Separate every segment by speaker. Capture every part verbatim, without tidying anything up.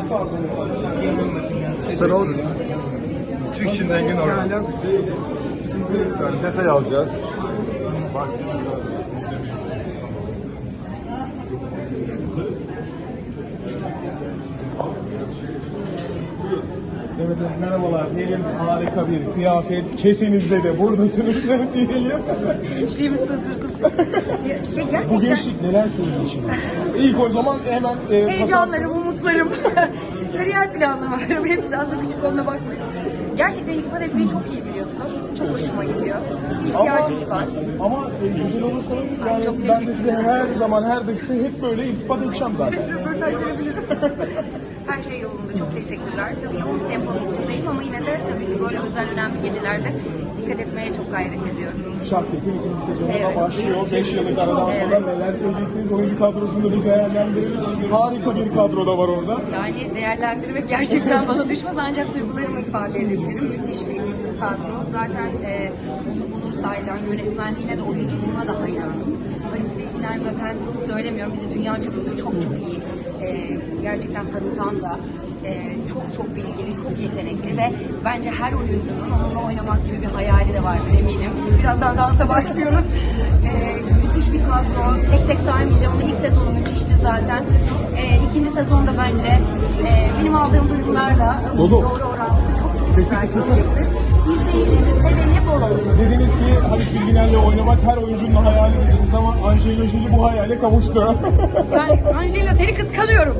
Speaker 1: Sen olur. Türk Çin'den gün orada. Detay alacağız. Bak.
Speaker 2: Evet, merhabalar diyelim, harika bir kıyafet, kesinizde de buradasınız diyelim.
Speaker 3: Gençliğimi sığdırdım. Ya, şey,
Speaker 2: Bu
Speaker 3: gerçekten
Speaker 2: gençlik neler söylüyor şimdi? İlk o zaman hemen... E,
Speaker 3: heyecanlarım, umutlarım, kariyer planlarım hepsi aslında küçük olduğuna bakmayın. Gerçekten iltifat etmeyi çok iyi biliyorsun. Çok hoşuma gidiyor. Bir ihtiyacımız var.
Speaker 2: Ama e, güzel olursanız yani
Speaker 3: çok
Speaker 2: ben
Speaker 3: teşekkür
Speaker 2: de size her zaman, her dakika hep böyle iltifat edeceğim zaten.
Speaker 3: Röportaj verebilirim. Her şey yolunda. Çok teşekkürler. Tabii yoğun bir temponun içindeyim ama yine de tabii ki böyle özel önemli gecelerde dikkat etmeye çok gayret ediyorum.
Speaker 2: Şahsiyetin ikinci sezonuna
Speaker 3: Evet.
Speaker 2: başlıyor. beş yıllık aradan sonra
Speaker 3: Evet.
Speaker 2: neler söyleyeceksiniz? Oyuncu kadrosunda bir değerlendirelim. Harika bir kadro da var orada.
Speaker 3: Yani değerlendirmek gerçekten bana düşmez ancak duygularımı ifade edebilirim. Müthiş bir kadro. Zaten e, Onur Onur Saylan yönetmenliğine de oyunculuğuna da hayranım. Haluk Bilginer zaten söylemiyorum bizi dünya çapında çok çok iyi e, gerçekten tanıtan da e, çok çok bilgili, çok yetenekli ve bence her oyuncunun onunla oynamak gibi bir hayali de var eminim. Birazdan dansa başlıyoruz. E, müthiş bir kadro. Tek tek saymayacağım ama ilk sezonu müthişti zaten. E, ikinci sezonda bence e, benim aldığım duygularla
Speaker 2: Dolu.
Speaker 3: doğru orantılı çok çok güzel geçecektir. İzleyicisi, seveni bol olsun.
Speaker 2: Dediniz ki Haluk Bilginer'le oynamak her oyuncunun hayali dediniz ama Angelina Jolie bu hayale kavuştu.
Speaker 3: Yani Angela seni kıskanıyorum.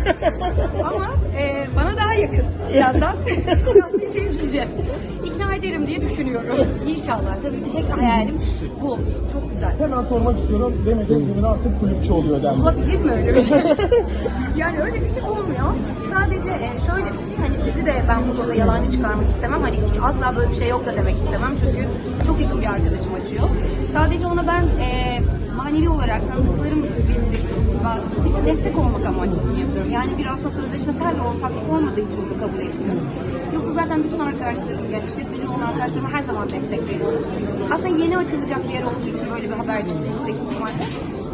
Speaker 3: Ama e, bana daha yakın. Birazdan şahsiyeti izleyeceğiz. İkna ederim diye düşünüyorum. İnşallah. Tabii ki tek hayalim bu olur. Çok güzel.
Speaker 2: Hemen sormak istiyorum. Demet Özdemir artık kulüpçü oluyor dendi.
Speaker 3: Olabilir mi öyle bir şey? Yani öyle bir şey olmuyor. Sadece e, şöyle bir şey, hani sizi de ben bu konuda yalancı çıkarmak istemem. Hani hiç asla böyle bir şey yok da demek istemem. Çünkü çok yakın bir arkadaşım açıyor. Sadece ona ben e, manevi olarak tanıdıklarım vasıtasıyla destek olmak amaçlı bunu yapıyorum. Yani bir aslında sözleşmesel bir ortaklık olmadığı için bunu kabul etmiyorum. Yoksa zaten bütün arkadaşlarım, yani işletmeci olan arkadaşlarıma her zaman destek veriyorum. Aslında yeni açılacak bir yer olduğu için böyle bir haber çıktı yüksek ihtimalle.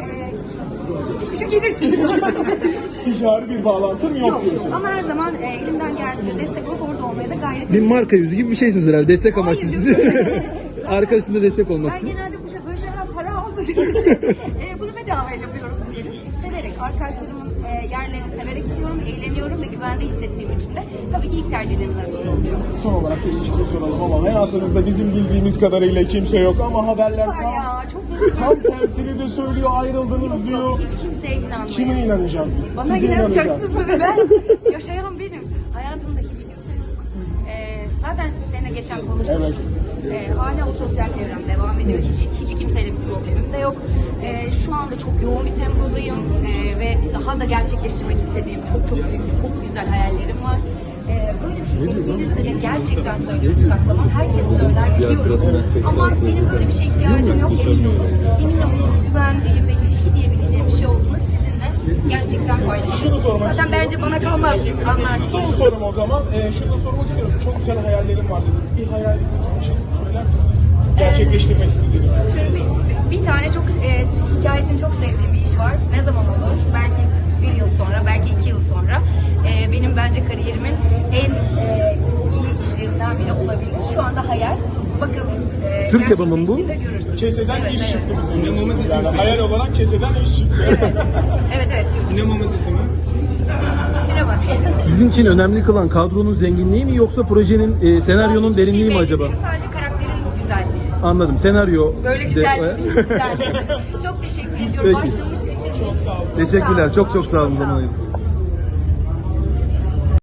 Speaker 3: Ee, çıkışa gelirsiniz.
Speaker 2: Ticari bir bağlantım yok,
Speaker 3: Yok,
Speaker 2: diyorsunuz.
Speaker 3: ama her zaman e, elimden geldiğince destek olup orada olmaya da gayret
Speaker 4: Bir
Speaker 3: edeceğim.
Speaker 4: marka yüzü gibi bir şeysiniz herhalde. Destek amaçlı
Speaker 3: Hayır,
Speaker 4: sizi.
Speaker 3: yok.
Speaker 4: Arkadaşında destek olmak
Speaker 3: Ben
Speaker 4: için.
Speaker 3: genelde bu şey, böyle şeyler para almadığım için e, bunu bedava yapıyorum diyelim. Severek, arkadaşlarımın e, yerlerini severek gidiyorum, eğleniyorum ve güvende hissettiğim için de tabii ki ilk tercihlerimiz arasında oluyor.
Speaker 2: Son olarak da ilişkiyi soralım ama hayatınızda bizim bildiğimiz kadarıyla kimse yok ama haberler
Speaker 3: Var
Speaker 2: tam,
Speaker 3: ya, çok mutluyum.
Speaker 2: tam tersini de söylüyor, ayrıldınız diyor.
Speaker 3: Hiç kimseye inanmayın.
Speaker 2: Kime inanacağız biz?
Speaker 3: Bana
Speaker 2: Size inanacağız.
Speaker 3: inanacaksınız tabii, ben yaşayan benim. Hayatımda hiç kimse yok. Ee, zaten seninle geçen konuşmuştuk. Ee, hala o sosyal çevrem devam ediyor. Hiç hiç kimseyle bir problemim de yok. Ee, şu anda çok yoğun bir tempodayım ee, ve daha da gerçekleştirmek istediğim çok çok büyük, çok güzel hayallerim var. Ee, böyle bir şey denk gelirse de gerçekten söyleyeceğim, saklamam. Herkes söyler, biliyorum. Ama benim böyle bir şeye ihtiyacım yok, emin olun. Emin olun, güvendiğim ve ilişki diyebileceğim bir şey olduğunu sizinle gerçekten paylaşıyorum. Zaten bence bana kalmaz, siz anlarsınız.
Speaker 2: Son sorum o zaman. Ee, şunu da sormak istiyorum. Çok güzel hayallerim var dediniz. Bir hayalinizi bizim için söyler misiniz? Gerçekleştirmek istediğiniz.
Speaker 3: Şöyle bir, bir tane çok e, hikayesini çok sevdiğim bir iş var. Ne zaman olur? Belki bir yıl sonra, belki iki yıl sonra. E, benim bence kariyerimin en e, iyi işlerinden biri olabilir. Şu anda hayal. Bakalım. E,
Speaker 4: Türk yapımı mı bu?
Speaker 3: gerçekleştiğinde görürsünüz.
Speaker 2: Keseden
Speaker 3: Evet,
Speaker 2: iş
Speaker 3: evet.
Speaker 2: çıktı bizim. Yani hayal olarak keseden iş çıktı.
Speaker 3: Evet evet.
Speaker 1: Sinema mı dizi mi?
Speaker 3: Sinema diyelim.
Speaker 4: Sizin için önemli kılan kadronun zenginliği mi yoksa projenin, e, senaryonun
Speaker 3: Hiçbir şey
Speaker 4: derinliği mi
Speaker 3: belli
Speaker 4: acaba?
Speaker 3: değil, sadece karakterin güzelliği.
Speaker 4: Anladım. Senaryo.
Speaker 3: Böyle
Speaker 4: işte-
Speaker 3: güzel değil, güzel. Çok teşekkür ediyorum.
Speaker 4: Peki.
Speaker 3: Başlamış için.
Speaker 2: Çok sağ olun.
Speaker 4: Teşekkürler. Çok çok sağ olun.
Speaker 3: Çok sağ
Speaker 4: Zaman
Speaker 3: olun.
Speaker 4: ayırdınız.